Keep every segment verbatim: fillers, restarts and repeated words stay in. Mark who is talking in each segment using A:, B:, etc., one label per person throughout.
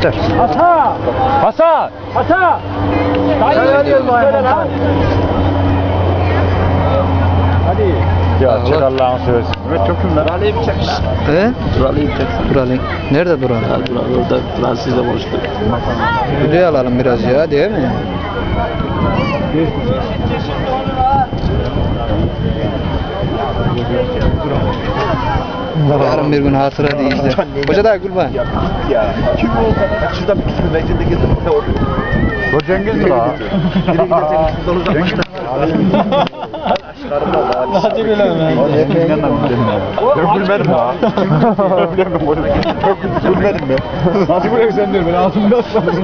A: Yeter.
B: Hasan!
C: Hasan!
B: Hasan!
A: Sen arıyorsun
B: Söyle lan. Hadi.
C: Ya
A: Allah.
C: çek Allah'ını seversin. Evet çok kimler?
B: Buralıyı bir çek lan.
A: He?
B: Buralıyı bir çek.
A: Duralım. Nerede duralım?
B: Ya Bural orada Fransızca konuştuk.
A: Video alalım biraz ya, değil mi? Yarın bir gün hatıra değil de. Hoca da kurban.
D: Ya kim o? Şuradan bir kısmı meclinde gezdim. Ne oluyor?
C: Bu Cengiz mi la?
D: Yine gidecek. Şuradan uzaklaştı.
B: Hadi bilemem.
C: Ben gülmedim ha. Çok gülmedim ben. Nasıl buraya sen diyor ben ağzımda sandım.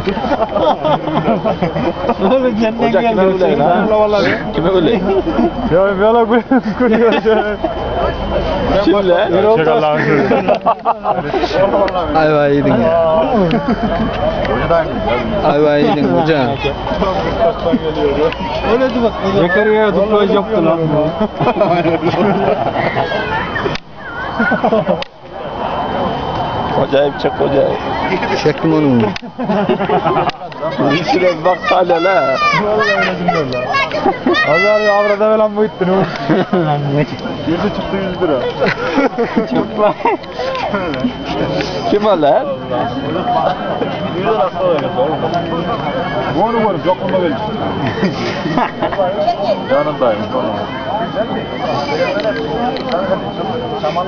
B: Oğlum senden
D: Ocak kime
B: geldi.
D: öyle lan?
C: Vallahi.
D: Kime öyle?
C: Ya bir ala gülüyor şöyle.
D: Kim lan?
C: Çek Allah'ını seversin.
A: Ayva yedin ya. Ayva yedin hocam.
B: Öyle de bak. Zekeriya'ya duplaj yaptı lan.
D: Acayip çek acayip.
A: Çektim onu.
D: İçine bak hala la.
C: Azar ya avrada falan bu ittin o. Yüzü çıktı yüz lira.
B: Çok var.
D: Kim o lan?
C: Yüz lira hasta oluyor. Bu onu var. Yok onu verin. Yanındayım.